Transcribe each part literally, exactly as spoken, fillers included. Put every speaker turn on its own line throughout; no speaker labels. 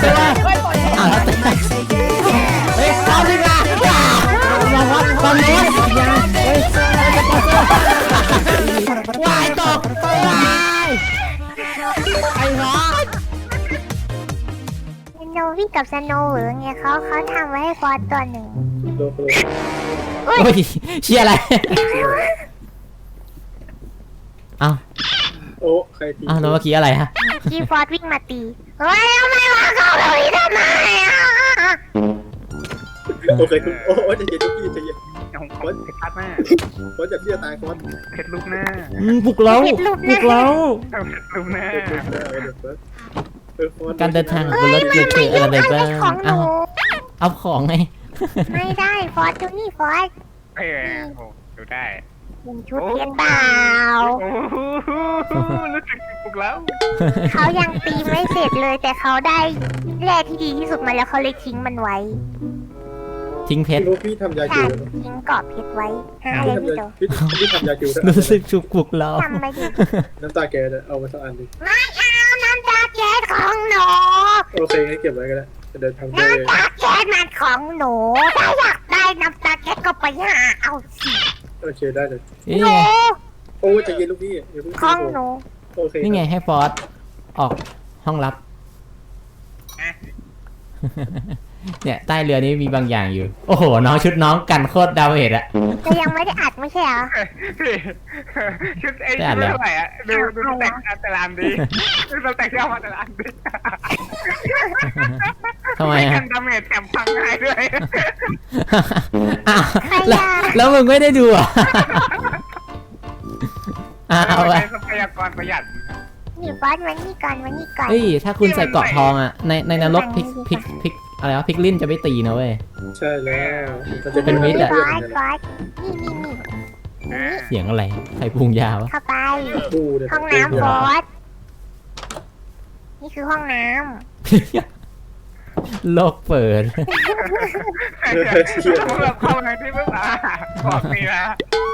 เต้อ้าวเต้เฮ้ยเอาดีกว่าลองวัดฟังโน้ตยังเฮ้ยวายตกวายไอ้น้อง
สโนวี่กับสโนว์หรือไงเขาเขาทำไว้ให้ฟอสตัวหนึ่ง
โอ้ยเชียร์อะไรเอ้า
โอ้ใครตี
อ้าวแล้วเมื่อกี้อะไรฮะ
กีฟอสวิ่งมาตีเฮ้ยทำไมวะเขาแบบนี้ทำไมอ่ะ
โอเคคุณโอ้จะเย็นทุกทีจะเย็น
ของคอนเพชรหน้า
คอนจะพี่จะตายคอน
เพชรลูกหน้า
ปลุกเราปลุกเรา
ลูกหน้า
การเดินทางบนรถเกิดอะไรบ้างเอาเอาของไง
ไม่ได้ฟอสดูนี่ฟอส
เออโอ้ดูได้
เป็นชุดเพชรเปล่า
รู้สึกปลุกแล้ว
เขายังตีไม่เสร็จเลยแต่เขาได้แร่ที่ดีที่สุดมาแล้วเขาเลยทิ้งมันไว้
ทิ้งเพชร
พี่ทำยา
คิวทิ้งกรอบเพชรไว้ห้าเลยพี่โต
พี่ทำยาคิว
รู้สึกฉุกปลุกเรา
ทำไปดิ
น้ำตาแกเอามาสักอันดิ
ไม่เอาน้ำตาแก๊สของหนู
โอเคให้เก็บไว้ก็ได้จะเดินทางไป
น้ำตาแก๊สมันของหนูถ้าอยากได้น้ำตาแก๊สก็ไปหาเอาสิ
โอเคได้เลย
หนู
โอ้จะเย็นลูกพี่
ของหนู
โอเค
นี่ไงให้ฟอสออกห้องลับเนี่ยใต้เรือนี้มีบางอย่างอยู่โอ้โหน้องชุดน้องกันโคตรดาวเห็ดอะ
จะยังไม่ได้อัดไม่ใช่เหรอ
ชุดไอ้ชุดเท่าไหร่อะดูดูแต่งแต่ละอันดีดูแต่งที่เอามาแต่ละอันดี
ทำไมฮะ
กันดาเมจแถมพังง่ายด้วย
แล้วมึงไม่ได้ดูอ่ะเอาไป
ทรัพยากรประหยัด
นี่ฟอสวันนี้ก่อนวันนี้ก่อน
เฮ้ยถ้าคุณใส่เกาะทองอ่ะในในนรกพลิกพลิกพลิกอะไรวะพลิกลิ้นจะไม่ตีนะเว้ย
ใช่แล้ว
เป็นมิตรอ่ะ
ฟอสฟอสนี่นี่นี่
เสียงอะไรใครปรุงยาวะ
เข้าไปห้องน้ำฟอสนี่คือห้องน้
ำโลกเปิด
แบบเข้าในที่เมื่อวานบอกนี่นะ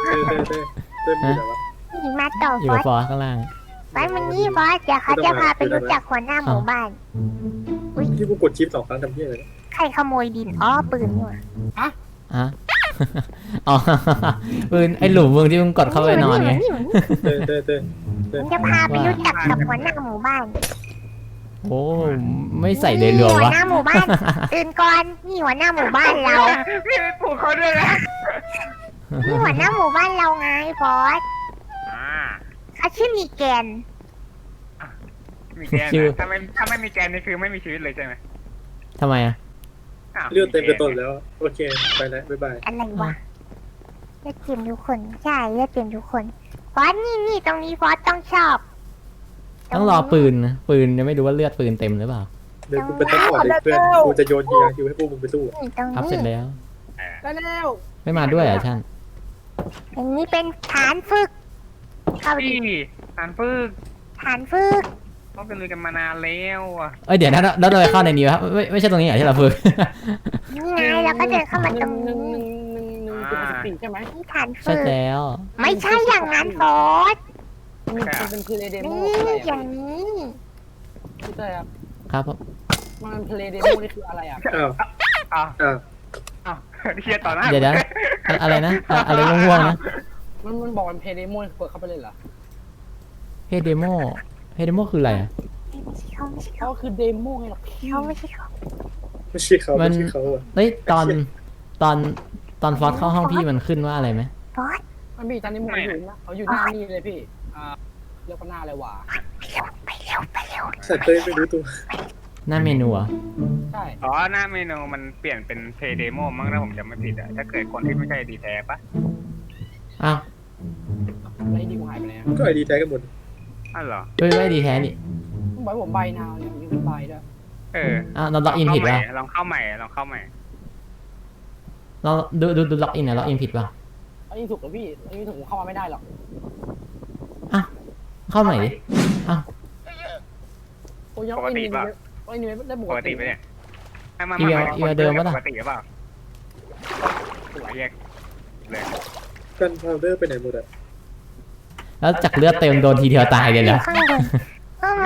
นี่มาต่อ
อยู่ฟอสข้างล่าง
ไปมันนี่ฟอสเดี๋ยวเขาจะพาไปรู้จักหัวหน้าหมู่บ้าน
ที่กูกดชิปสองครั้งทำเพี้ยอะไร
ใครขโมยดินอ๋อปืนนี่หว่า
อะอะอ๋อปืนไอ้หลุมมึงที่มึงกดเข้าไปนอนไง
เต้เต้เต้
จะพาไปรู้จักกับหัวหน้าหมู่บ้าน
โอ้ไม่ใส่เลยหรอวะ
หัวหน้าหมู่บ้านตื่นก่อนนี่หัวหน้าหมู่บ้านเรา
พี่ไปปลุกเขาด้วยนะ
นี่หัวหน้าหมู่บ้านเราไงฟอสเขาชื่อมีแกน
มีแกนถ้าไม่ถ้าไม่มีแกนนี่คือไม่มีชีวิตเลยใช่ไหม
ทำไมอ่ะ
เลือดเต็มกระต้นแล้วโอเคไปแล้วบ๊ายบาย
อะไรวะเลือดเต็มทุกคนใช่เลือดเต็มทุกคนฟอสนี่นี่ตรงนี้ฟอสต้องชอบ
ต้องรอปืนนะปืนยังไม่รู้ว่าเลือดปืนเต็มหรือเปล่า
เดี๋ยวกูเป็นตำรวจเพื่อนกูจะโยนยาคิวให้พวกมึงไปสู้
ครับเสร็จแล้ว
ได้แล้ว
ไม่มาด้วยอ่ะท่าน
อันนี้เป็นฐานฝึก
เข้าดีฐานฝึก
ฐานฝึก
ต้องเป็นเลยกันมานานแล้วอ่ะ
เอ้ยเดี๋ยวนะเราโดยเข้าในนี้ครับไม่ไม่ใช่ตรงนี้เหรอที่เราฝึก
นี่ไงเราก็เดินเข้ามาตรงนี้
ใช่ไหม
ฐานฝึก
ใช่แล้ว
ไม่ใช่อย่างนั้นฟอส
มันเป็นเพลย์เดโม
อย่างนี้
ใช่ครับ
ครับ
มันเพลย์เดโมนี่คืออะไรอ่ะอ้าวอ้าวอ้าวเฮียต่อหน้า
เดี๋ยวนะอะไรนะอะไรง่วงๆนะ
มันมันบอกมันเพย์เดโมเปิดเข้าไปเลยเหรอ
เพย์เดโมเพย์เดโมคืออะไรอ่ะ
เขาไม่ใช่
เขาคือเดโมไงหรอก
เขาไม่ใช่เขา
ไม่ใช่เขาไม่ใช่เขา
เฮ้ยตอนตอนตอนฟอสเข้าห้องพี่มันขึ้นว่าอะไรไหม
ฟอส
มันมีตอนนี้มันอยู่นะเขาอยู่หน้านี่เลยพี่อ่าเรียกว่าหน้าอะไรวะ
ไปเร็วไปเร็ว
สัตว์เต้ไม่รู้ตัว
หน้าเมนูอ่ะ
ใช่อ๋อหน้าเมนูมันเปลี่ยนเป็นเพย์เดโมมั้งถ้าผมจำไม่ผิดอ่ะถ้าเกิดคนที่ไม่ใช่ดีแท้ปะ
อ้าว
ไอดีกูหายไปแล้ว
ก็ไอดีแท้กันหมด
อ้าวเหรอ
เฮ้ยไม่ดีแท้นี่
ผมบอกผมใบนาวเนี่ยมีเป็นใบด้วยเออ
อ้าวเราล็อกอินผิดป่ะ
ลองเข้าใหม่ลองเข้าใหม่
เราดูดูดูล็อกอินนะล็อกอินผิดป่ะ
ล็อกอินถูกหรอพี่ล็อกอินถูกผมเข้ามาไม่ได้หรอก
อ่ะเข้าใหม่ดิอ้าว
ปกติป่ะปกติได้ปกติไหมเนี่ย
อีเวลอีเวลเดิมป่ะล่ะ
ปกติหรือเปล่าหัวแยกเลย
กันพาวเดอร์ไปไหนหมดอะ
แล้วจากเลือดเต็มโดนทีเดียวตายเลยเหรอ
ข้างบนทำไม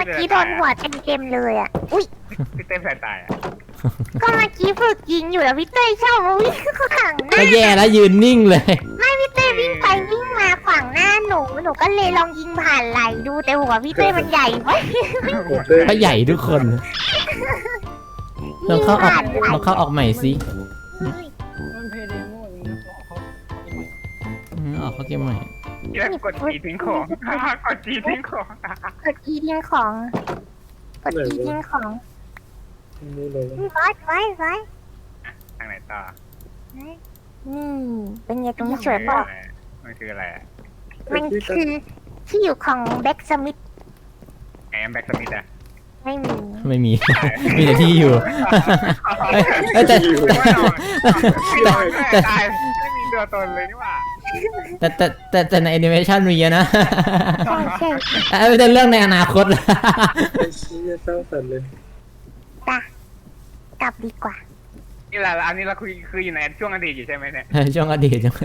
มื่อกี้โดนหัวเต็มๆเลยอ่ะอุ้ย
พี่เต้นสายตายอ่ะ
ก็เมื่อกี้ฝึกยิงอยู่แล้วพี่เต้ชอบมาวิ่งข้างหน้า
ก็แย่แล้วยืนนิ่งเลย
ไม่พี่เต้วิ่งไปวิ่งมาขวางหน้าหนูหนูก็เลยลองยิงผ่านไหลดูแต่หัวพี่เต้มันใหญ่ไว้
ก็ใหญ่ทุกคนลองเข้าออก
ผ่านไหล
ลองเข้าออกใหม่สิ
มันเพย์เดโมอย่างนี้นะเขาเขา
อืมออกเข้าเกมใหม่
เรื่องกดจีทิ้งของ กดจีทิ้งของ
กดอีทิ้งของกดอีทิ้งของ
นี่เลย
ไว้ไว้ไว้
ทางไหนต่อ
อืมเป็นไงตรงนี้สวยเปล่ะ
มันคืออะไรอ่ะ
มันคือที่อยู่ของแบ็กสมิธ
ไอ้แบ็กสมิธอ่ะ
ไม่มี
ไม่มี มีแต่ที่อยู่เอ้ยเอ้ยแต่
แต่แต่ตายไม่มีตัวตนเลยนี่หว่า
แต่แต่แต่แต่ในแอนิเมชันมีอะนะ
ใช่ใช่
เอ้ยเป็นเรื่องในอนาคต
ไอ้เชี่ยเศร้าสันเลย
ปะกลับดีกว่า
นี่แหละอันนี้เราคุยคืออยู่ในช่วงอดีตอยู่ใช่ไหมเนี่ย
ช่วงอดีตจัง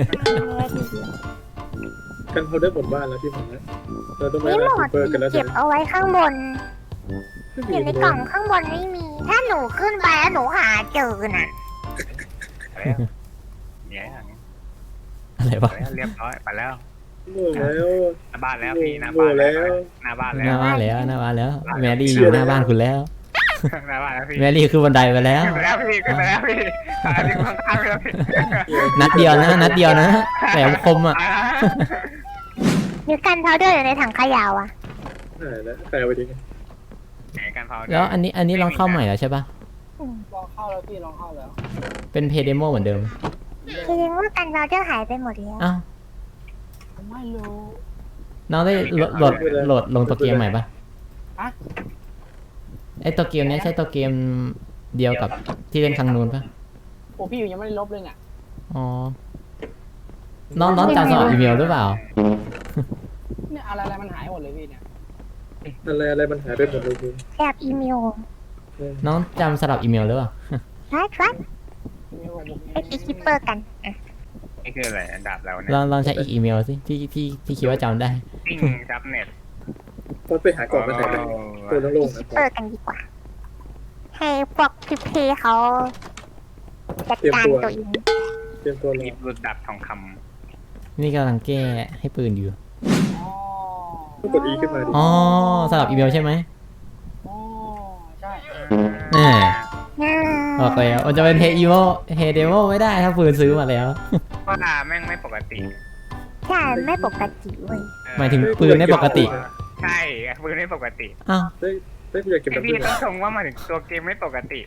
กันเขาได้หมดบ้านแล้วพี่หมอเราต้องไป
นี่หม
ร้าน
ด
ซูเปอร์กันแล้ว
เก็บเอาไว้ข้างบนอยู่ในกล่องข้างบนไม่มี ถ้าหนูขึ้นไปแล้วหนูหาเจอน่ะ
อะไรเนี่ย
อะไรวะ
เรียบร้อยไปแล้ว
หมดแล้ว
หน้าบ้านแล้วพี่หน้าบ้านแล้วหน้าบ้าน
ห
แล้
น้าว บ้านแล้วหน้าบ้านแล้ว แมรี่อยู่หน้าบ้านคุณแล้ว
หน้าบ้านแล้วพี่
แมรี่คือบันไดไปแล้ว
ขึ้นไปแล้วพี่ขึ้นไปแล้วพี่ตายที่ข้างๆแล้วพี่
นัดเดียวนะ นัดเดียวนะแหลมคมอ่ะ
มีกันพาวเดอร์อยู่ในถังขยะอ่ะ
หายแล้วใครเอาไปทิ้ง
การเผา
แล้วอันนี้อันนี้ลองเข้าใหม่แล้วใช่ปะ
ลองเข้าแล้วพี่ลองเข้าแล้ว
เป็นเพย์เดโมเหมือนเดิม
คือว่ากันพาวเดอร์หายไปหมดแล้ว
อ้าว
ไม่รู้
น้องได้โหลดโหลดโหลดลงตัวเกมใหม่ปะ
อะ
ไอตัวเกมเนี้ยใช่ตัวเกมเดียวกับที่เล่นครั้งนู้นปะ
โอ้พี่อยู่ยังไม่ได้ลบเลยเนี่ย
อ๋อ น้องน้องจำสมัครอีเมลหรือเปล่า
เนี่ยอะไรอะไรมันหายหมดเลยพี่เนี่ย
อะไรอะไรมันหายไปหมดเลยคุณ
แอบอีเมล
น้องจำสลับอีเมลหรือเปล่า
รัดรัด
มีผมผม
ไปตีคิปเปอร์กันอ่ะ
นี่คืออะไรดาบเราเนี่ย
ลองลองใช้อีกอีเมลสิที่ที่ที่คิดว่าจำได้
ปิ้งจับเน็ต
พอไปหาก่อนมาแต่ตัวโล่
ตี
งๆ
คิ
นะ
ปเปอร์กันดีกว่า ให้พวกพิเพเขาจัดการตัวเอง
เตรียมตัวร
หยิ
อบ
รุดดับทองค
นี่กำลังแก้ให้ปืนอยู่
อ๋อ
ต้องกด E ขึ้นมาดิ
อ๋อ สลับอีเมลใช่ไหม
อ๋อใช่
ำ
แน่
น่า
บอกแล้วมันจะเป็นเฮอีโมเฮเดโมไม่ได้ถ้าปืนซื้อมาแล้ว
ว่าแม่งไม่ปกติ
ใช่ไม่ปกติเว้ย
หมายถึงปืนไม่ปกติ
ใช่ปืนไม่ปกติ
อ้าว
เฮ้ยเฮ้ยกูอยากเก็บ
ไอ
แบบ
พี่
นี้
ต้องชมว่ามาถึงตัวเกมไม่ปกติ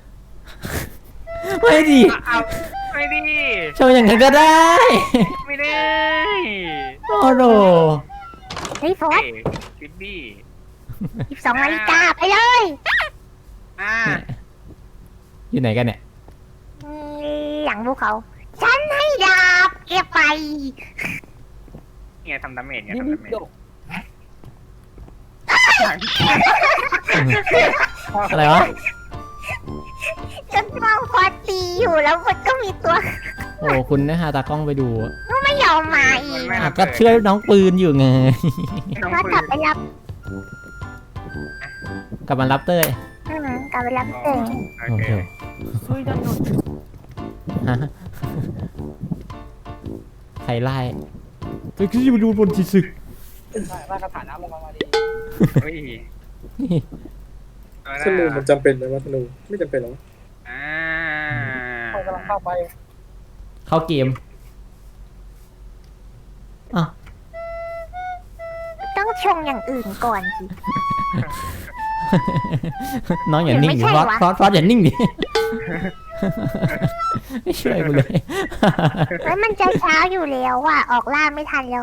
ไม่ดี
เอาไม่ดี
โชว์อย่างนั้นก็ได้
ไม่ได้
โอ้โห
เฮ้ยโฟ
เอ้
ส
ยฟิบบี้
สิบสองนาฬิกาไปเลย
อ่า
อยู่ไหนกันเนี่ย
หลังภูเขา ฉันให้ดาบเก็บไป
เนี่ยทำดาเมจเนี่ย
ดิ
ทำ
บิ
ดาเมจ
โด
อะไรวะ
ฉันมองพอตีอยู่แล้วมันก็มีตัว
โอ้คุณนะฮะตากล้องไปดูอะ
ไม่ยอมมาอีก
อ่ะก็ช่วยน้องปืนอยู่ไง
น้อง
ก็
ปื
กลับ
น
ไปรับ
กลับมารับเต้ย
อืมกลับไปรับเอง
โอ
โอ้
เค
โห
เฮ้ยดันหนุน
ฮะใครไล่ก็คือมาดูบนจิสึก
ได้ได้กระถางน้ำลงมามาดี
เฮ้ย
ธนูมันจำเป็นไหมว่าธนูไม่จำเป็นหรอ
อ่า
เขากำลังเข้าไป
เข้าเกมอ้าว
ต้องชงอย่างอื่นก่อนสิ
น้องอย่านิ่งดิ
ไม่
ฟ
ใช่
อส
วะ
ฟอสฟอสอย่านิ่งดิ ไม่ช่วยกูเลย
แล้วมันจะเช้าอยู่แล้วอ่ะ ออกล่าไม่ทันแล้ว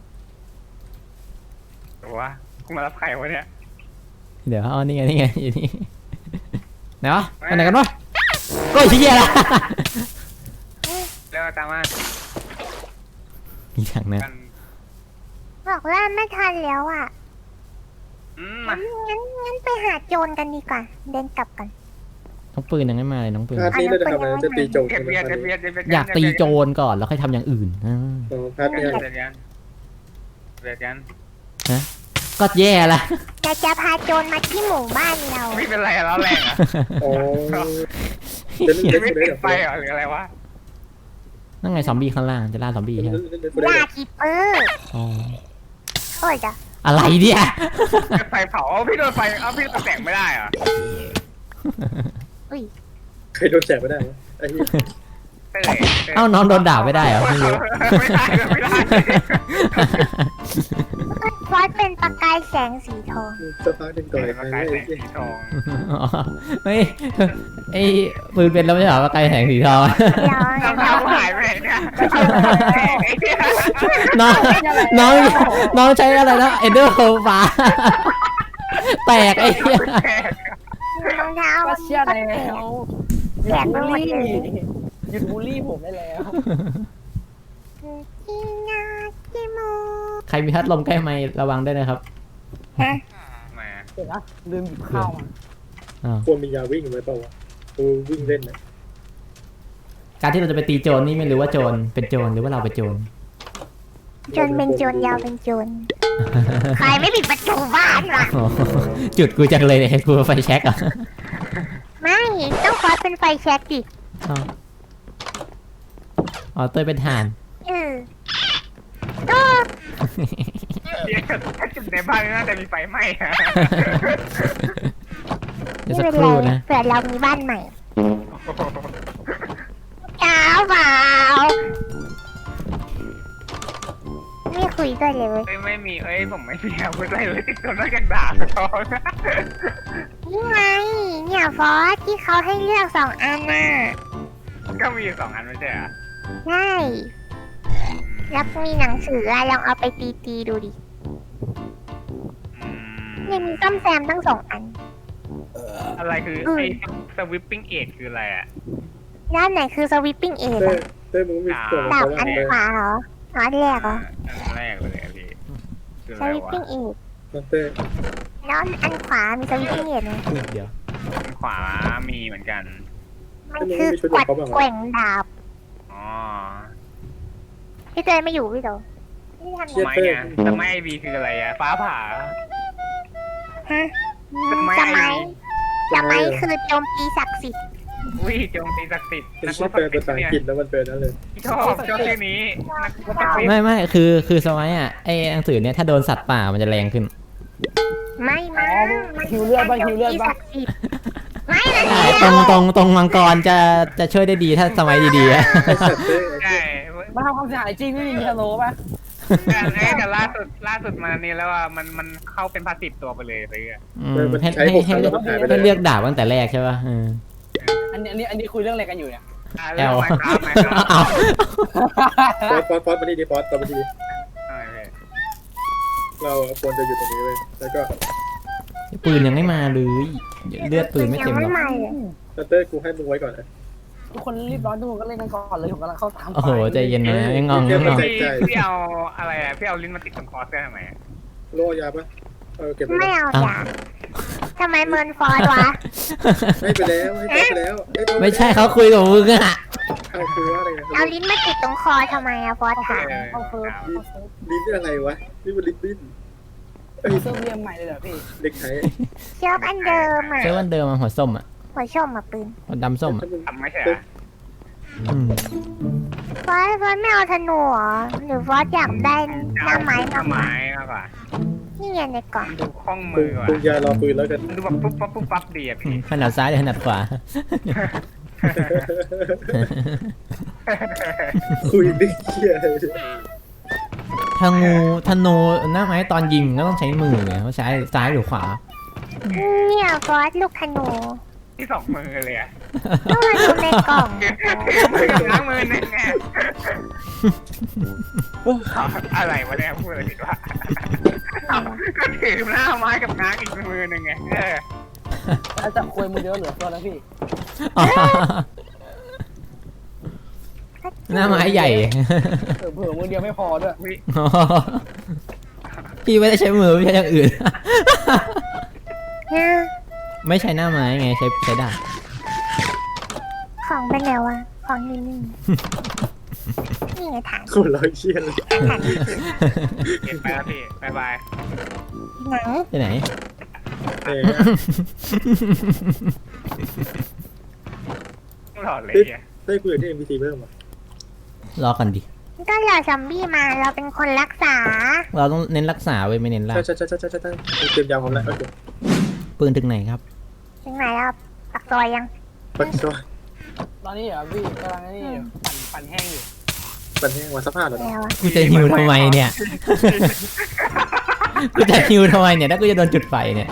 ตัวกูมารับใครวะเนี่ย
เดี๋ยวเอานี่ไงนี่ไงอยู่นี่ไหนวะไปไหนกันวะก็ชี้แย่ละ
เร็วตามมา
มีทางนั้น
กัน
ออกล่าไม่ทันแล้วอ่ะ
อืม
งั้
มาน
งั้นงั้นไปหาโจรกันดีกว่า เดินกลับกัน
น้องปืนยังไม่มาเลยน้องปืน
พาร์ทนี้เราจะทำอะไรจะตีโจม
เก็
ใช่
บ
ไหม
เบียร์
พา
เก็
ร์
บ
ท
เบีย
นี้
ร์เก็บเบียร์
อยากตีโจรก่อนแล้วค่อยทำอย่างอื่นอ่า
อ๋อพาร์ท
เบี
นี้
ยร์เบียร์กันเบียร์กัน
ฮะก็แย่ละ
จะจะพาโจรมาที่หมู่บ้านเรา
ไม่เป็นไรแล้วแรงอ่ะ
อ๋อเล่นเล่น
ไม่
เล่น
ติดไฟเหรอหรืออะไรวะ
นั่นไงซอมบี้ข้างล่างจะล่าซอมบี้ใช่ไหม
ล่าคิปเปอร์
อ๋อ
โอ้ยจ้ะ
อะไรเนี่ย
ไฟเผาพี่โดนไฟเอาพี่โดนแสงไม่ได้เหรอ
อุ้ย
ใครโดนแสบไม่ได้วะไอ้เหี้ย
เต้ย
เอ้าน้องโดนด่าไม่ได้เหรอไม่รู้
ไม่ได้ไม่ได้
ฟอสเป็นประกายแสงสีทอง
สักพักหนึ่งต่อย
มา
ใคร
กลาย
ไอ้
แสง
เหี้ย
สีทอง
อ๋อไม่ไอ้ปืนเป็นแล้วไม่ใช่เหรอไกลแสงสีทอง
เรา
รองเท้าหายไปไหนเนี่ยไอ้เหี้ย
น้องน้องน้องใช้อะไรนะเอเดอร์ฟ้าแตกไอ้เหี้ย
รองเท้า
ก็เชื่อแล้วหยุดบูลลี่หยุดบูลลี่ผมได้แล้ว
ที่นาที่มู
ใครมีพัดลมใกล้ไมค์ระวังด้วยนะครับ
ฮะ
มา
เดี๋ยวนะลืมหยิบข้าวมา
อ้าว
ควรมียาวิ่งไหมเปล่าวะกูวิ่งเล่นนะ
การที่เราจะไปตีโจรนี่ไม่รู้ว่าโจรเป็นโจรหรือว่าเราเป็นโจร
จนเป็นโจรยาวเป็นโจรใครไม่ปิดประตูบ้านวะ
อ๋อจุดกูจังเลยเนี่ยกูไฟแช็กอ่ะ
ไม่ต้องฟอสเป็นไฟแช็กดิ
อ้าวอ๋อเต้ยเป็นห่าน
เออก็
ถ้าจุดในบ้านน่าจะมีไฟไหม้อะ
เดี๋ยว
ไม่
สัก
เป็น
ค
ไร
รู่นะ
เผื่อเรามีบ้านใหม่เจ้าเปล่าไม่คุยด้วยเลยเว้ย
เอ้ยไม่มีเอ้ยผมไม่มีอาวุธอะไรเลยติดตัวนอกจากดาบก็พอ
นี่ไงเนี่ยฟอสที่เขาให้เลือกสองอันน่ะ
ก็มีอยู่สองอันไม่ใช่เหรอ
ใช่แล้วมีหนังสืออะลองเอาไปตีตีๆดูดิ
อืม
เนี่ยมีซ่อมแซมทั้งสองอัน
อะไรคือไอ้สวิปปิ้งเอทคืออะไรอ่ะ
ด้านไหนคือสวิปปิ้งเอท
เต้
อะ
เต้มึงมีส่วน
ดาบ
ของ
อัน
เขา
ขวาเหรออ๋ออันแรกเหรอ
อันแรกเลยอะพี่คือ
ส
อะไร
วิป
วะ
ปิ้งเอท
เต้
แล้วอันขวามีสวิปปิ้งเอทไหม
เดี๋ยว
อันขวามีเหมือนกัน
มันคือกวัดแกว่งดาบ
อ๋อ
พี่เจยไม่อยู่พี่โตพี่ทำ
ทำไมเนี่ยทำไมไอบีคืออะไรอ่ะฟ้าผ่า
ฮะ
ทำไม
สมัยสมัยคือโจมตีศักดิ์สิทธิ์
อุ้ยโจมตีศักดิ์สิทธิ์
เป็น
นักร
ชื่อบ แปล
ศักดิ์
ภา
สิท
ษา
ธิ์
อัง
เนี่ย
กฤษแล้วมันเป็นนั่นเลย
ชอบชอบชื่อนี้นักรบศักดิ์สิทธิ์
ไม่ไม่คือคือสมัยอ่ะไอ้หนังสือเนี่ยถ้าโดนสัตว์ป่ามันจะแรงขึ้น
ไม่มามัน
หิวเลือดบ้างหิวเลือดบ้าง
ศักดิ์สิทธิ์ไม่เลย
ใช่ตรงตรงตรงมังกรจะจะช่วยได้ดีถ้าสมัยดีๆอะ
ไอ้สัตว์เต้
ใช่
มาทำความเสียหายจริงไม่มีมีฮัลโหลป่ะ
แต่แต่ล่าสุดล่าสุดมานี่แล้วว่ามันมันเข้าเป็นพาสซีฟตัวไปเลยไปเลย
อืมให้ให้ให้เลือกให้เลือกดาบตั้งแต่แรกใช่ป่ะเออ
อันนี้อันนี้อันนี้คุยเรื่องอะไรกันอยู่เนี่ย
อ่า
แอ
เรื่อง
ล
ไมค์ครับไมค์ครับ
เอา
ฟอสฟอสฟอสมาดีดีฟอสต่อมาดี
ทำไมพี่
เราควรจะอยู่ตรงนี้เลยแล้วก็
ปืนยังไม่มาเลยเลือดปืนไม่เต็มหรอก
ยังไม่มาเลย
เต้กูให้มึงไว้ก่อนนะ
ทุกคนรีบร้อนทุกคนก็เล่นกันก่อนเลยผมกำลังเข้าตาม
โอ้โหใจเย็นนะยังงองยังงอง
พี่พี่เอาอะไรอ่ะพี่เอาลิ้นมาติดตรงคอเสื้อทำไมอะ
โล่ยาปะเออเก็บไป
ไม่
แล้ว
เอาจ้ะทำไมเมินฟอสวะ
ให้ไปแล้วให้ไปแล้ว
ไม่ใช่เขาคุยกับมึงอะ
เอาคือว่าอะไรนะ
เอาลิ้นมาติดตรงคอทำไมอะฟอสถาม
เข้าเฟิร์มเข้าเฟิร์ม
ลิ้นเป็นอะไรวะนี่มันลิ้นดิ้นเอ้ย
เซิร์ฟเรียมใหม่เลยเหรอพี่
เด็กไทย
เชือกอันเดิมอะ
ใช่วันเดิมมาหัวส้มอ่ะ
หัวชมอะปืน
หัวดำส้มอ่ะ
ทำไม่ใช่เหรอ
อืม
ฟอสฟอสไม่เอาธนูเหรอหรือฟอสอยากได้หน้าไม้
หน้าไม้มากกว่า
นี่ไงในกล่อง
ดูคล่อง
ปรุ
มื
ง
อว่ะ
ปรุงยารอปืนแล้วกัน
ดูแบบปุ๊บปั๊บปุ๊บปั๊บดีอ่ะพี่
ขนาดซ้ายหรือขนาดขวา
คุยดิเชี่ยอะไร
ธนูธนูหน้าไม้ตอนยิงก็ต้องใช้มือไงเขาใช้ซ้ายหรือขวา
เนี่ยฟอสลูกธนู
ที่สองมือเลยอ่ะ
ลูกธนูในกล่อง
มือกับล้างมือนึงไงอะไรวะเนี่ยพูดอะไรผิดวะก็ถือหน้าไม้กับง้างอีกมือนึงไงเออ
แล้วจับคุยมือเดียวเหลือตัวแล้วพี่
หน้าไม้ใหญ่
เผื่อเผื่อมือเดียวไม่พอด้วย
วิ
พี่ไม่ได้ใช้มือไม่ใช่อย่างอื่น
เนี่ย
ไม่ใช้หน้าไม้ไงใช้ใช้ดาบ
ของเป็นไงวะของนี่นี่นี่ไงถัง
คนร้อยเชี่ยเลย
ถัง
เก็บไปแล้วพี่บายบาย
ไหน
ไปไหน
เออ
หลอดเลยอ่ะ
ได้คุยกับที่ เอ็ม พี ซี เพิ่มอ่ะ
รอกันดิ
ก็รอซอมบี้มาเราเป็นคนรักษา
เราต้องเน้นรักษาไว้ไม่เน้นล่า
ใช่ใช่ใช่ใช่ใช่ใช่เตรียมยาวพร้อมแล้วโอเค
ปืนถึงไหนครับ
ถึงไหนแล้วปักซอยยัง
ปัดตัว
ตอนนี้เหรอพี่กำลังนี่อยู่ปั่นปั่นแห้งอยู่
ปัดแห้งวันสภาพเหรอ
แล้วอะ
กูจะฮิวทำไมเนี่ย กูจะฮิวทำไมเนี่ยถ้ากูจะโดนจุดไฟเนี่ย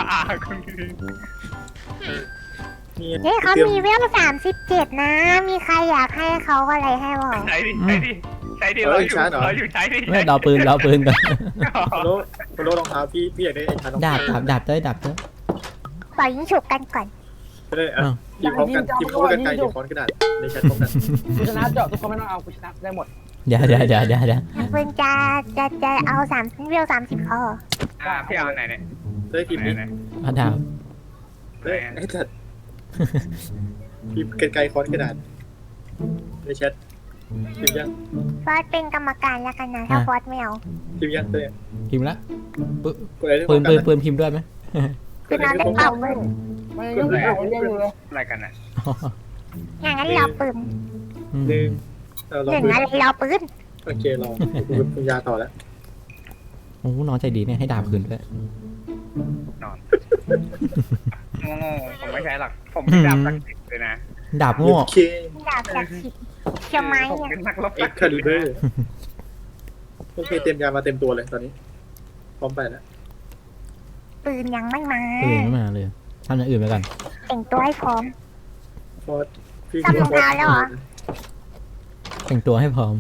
นี่
เฮ้ยเขา
เตรียม
มีเวลสามสิบเจ็ดนะ มีใครอยากให้เขาอะไรให้บอก
ใช้ดิใช้ดิใช้ดิเราอยู่เราอยู่ใช้ดิ
ไม่เราปืนเราปืนก่อน
โคโลโคโลรองเท้าพี่พี่อยากได้ไอ้ชาร์
ดาบดาบดาบเต้ยดาบเต้ย
ปล่อยยิงฉุกกันก่อน
ก็ได้อ่ะทีมพร้อมกันทีมพร้อมกันไกลทีมพร้อมกระดาษในแชทพร้อมกัน
กูชนะเจาะทุกคนไม่ต้องเอากูชนะได้หมด
เดี๋ยวเดี๋ยวเดี๋ยวเดี๋ยวเดี๋ยว
เพื่อนจะจะจะเอาสามเวลสามสิบพอ
อ่าพี่เอาไหนเนี่ย
ได้ทีมนี้
เอาดาบ
ได้ไอ้จัดทีมไกลๆคอนกระดาษในแชททีมยัง
ฟอสเป็นกรรมการแล้วกันนะ ถ้าฟอสไม่เอา
ทีมยังเต้
พิมพ์ละ
กดอะไร
ปืนปืนปื
น
นพิมพ์ด้วยไหม
ก
คื
ด
อ
อะ
น
ไร
อน
ที่
เล่
พร้
น
อม
เป่า
กัน
ปืน
ไม่ยุ่งไม่ยุ่งเลย
อะไรกันอ่ะ
อย่างนั้นรอปืน
อืม
หนึ่งเราล
ห
อง
นึ่ง
ปืน
อะไรรอปืน
โอเครอคุณยาต่อแล้ว
โอ้น้องใจดีเนี่ยให้ดาบคืนด้วย
นอนโง่ผมไม่ใช้หรอกผมเป็นดาบศักดิ์สิทธิ์เลยนะ
ดาบโง่
โอเค
ดาบจากสิบเชียวไม้
ผม
เนี่ย
เป็นนักรบ
เอ็
ศั
ก
กดิ์
คาลิ
สิท
เบอ
ธิ์
ร์โอเคเต็มยามาเต็มตัวเลยตอนนี้พร้อมไปแล้ว
ปืนยังไม่มา
ปืนไม่มาเลยทำอย่างอื่นไปก่อน
แต่งตัวให้พร้อม
ฟอสพี่
ทำรองเท้าแล้วเหรอ
แต่งตัวให้พร้อม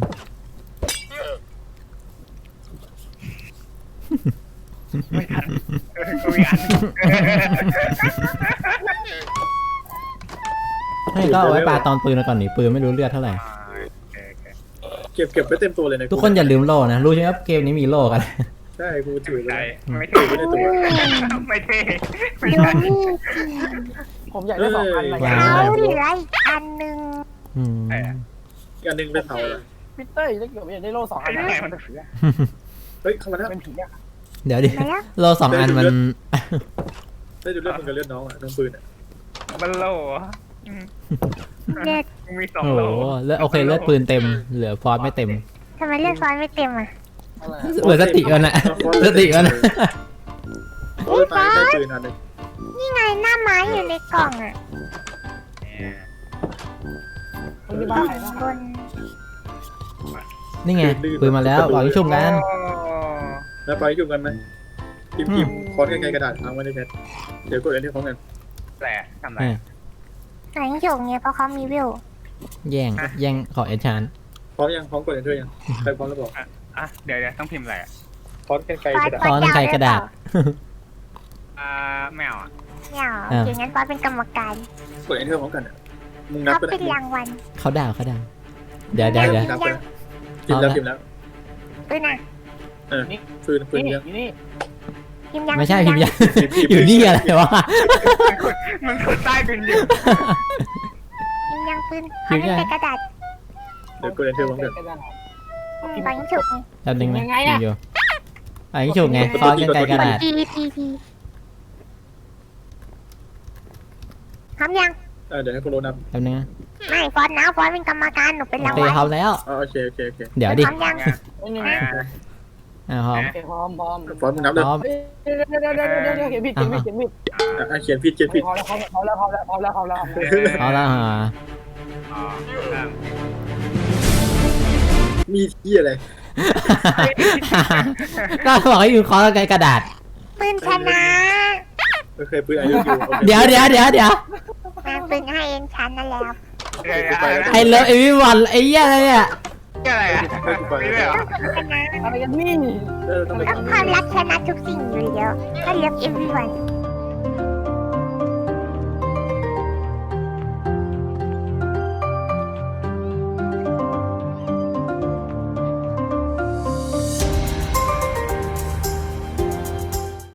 ไม่ทันคุยกัน
ให้ก็เอาไว้ปาตอนปืนแล้วก่อนนี่ปืนไม่รู้เลือดเท่าไหร่
เก็บเก็บไว้เต็มตัวเลยนะ
ทุกคนอย่าลืมโล่นะ รู้ใช่ไหมครับเกมนี้มีโล่กัน
ใช่กูถือไว้
ใช่
แล้ว
ไม่เท่
ถือไว้ในตัว
ไม่เท่ไม่
ดู
ใช่
นี่
ผมอยากได้สองพันอะไร
ว้า
เขา
ว
เหลืออีกอันหนึ่ง
อืม
อีกอันหนึงเป็นเผาเลย
พีเตอร์ถ้าเกิดอยากได้โล่สองอัน
ไอ้ไงมันจะ
เฮ้ยเข้ามาแล้ว
เป็นผีอะ
เดี๋ยวดิ
ไหนอะ
โล่สองอันมัน
ได้ดูเลือดมึงกับเลือดน้องอ่ะน้องปืนอ่ะ
บัลโล่
เลือด
มีสอง
โอ้
โล
โหเลือดโอเคเลือดปืนเต็ม เหลือฟอสไม่เต็ม
ทำไมเลือดฟอนไม่เต็มอ่ะ
อะไร
เหลือสติกันนะสติกันนะ
โอ้ยตายได้ปืนอันหนึง
นี่ไงหน้าไม้อยู่ในกล่องอ่ะ
คนที่บ้านใครบ้าง
บน
นี่ไงปืนมาแล้วบอกให้ชุ่มกัน
แล้วไปจุ่มกันไหมพิมพ์พิมพ์คอนใกล้ๆกระดาษเอาไว้ในแชทเดี๋ยวกดอันที่พร้อมกัน
แหละทำไร
ไหนโยกเนี่ยเพราะเขามีวิว
แย่งแย่งขอเอชาน
พร้อมยังพร้อมกดอันด้วยยังใครพร้อมแล้วบอก
อ่ะเดี๋ยวเดี๋ยวต้องพิมพ์อะไรอ่ะ
คอนใกล้ๆกระดาษ
ซ้อนไกลกระดาษ
อ่าแมวอ่ะ
เนี่ยโอเคงั้นฟอนเป็นกรรมการ
กดอันที่พร้อมกันอ่ะมึงนับ
เขา
ไปแล้ว
เป็นรางวัล
เขาด่าเขาด่าเดี๋ยวเดี๋ยวเดี๋ยว
นับไปแล้วพิมพ์แล้วพิมพ์แล้ว
ปืนอ่ะ
เออปืนปืน
นี่
ยัง
อยู่นี่
พิมพ์ยัง
ไม่ใช่พิมพ์ยัง
พิมพ์พิมพ์
อยู่นี่อะไรวะ
มันคือใต้ดินอยู่
พิมพ์ยังปืนเขาเล่นแต่กระดาษ
เดี๋ยวกดอันที่พร้อมกัน
อืมตอนนี้ฉุกไง
แป๊บนึงนะพิมพ์อยู่อันนี้ฉุกไงซ้อนกันไกลกระดาษ
ทีทีทีทำยัง
เออเดี๋ยวให้คุณโรนับ
แป๊บนึงนะ
ไม่ฟอนนะฟอนเป็นกรรมการหนูเป็น
โอ
ราง
เค
วัล
เขาแล้ว
อ๋อโอเคโอเคโอเค
เดี๋ยวดิ
พร้อมยัง
ไม่นี่
อ่าพร้อม
โอเคพร้อมพร้อม
ฟอนต์มึงนับเลย
พร้อม
เดี๋ยวเดี๋ยวเดี๋ยวเดี๋ยวเดี๋ยวเขียนผิดเขียนผิดเขียนผิด
อ่ะเขียนผิดเขียนผิด
พร้อมแล้วพร้อมแล้วพร้อมแล้วพร้อมแล้วพร้อมแล้ว
เอาละฮะ
อ๋อครับ
มีที่อะไร
ก็บอกให้อยู่คอไกลกระดาษ
ปืนชนะ
โอเคปืนอายุอยู่โอเค
เดี๋ยวเดี๋ยวเดี๋ยวเดี๋ยว
มาปืนให้เองชันนั่นแหละ
เดี๋ยวอะไรนะ
ไอเลิฟเอวิวันไอ้เหี้ยอะไรเนี่ย
อะไรอ่ะไม่ได้เหรอ
ชนะ
อะไรกันนี่
เออต้องไป
แล้วความรักชนะทุกสิ่งอยู่แล้วถ้าเลือก everyone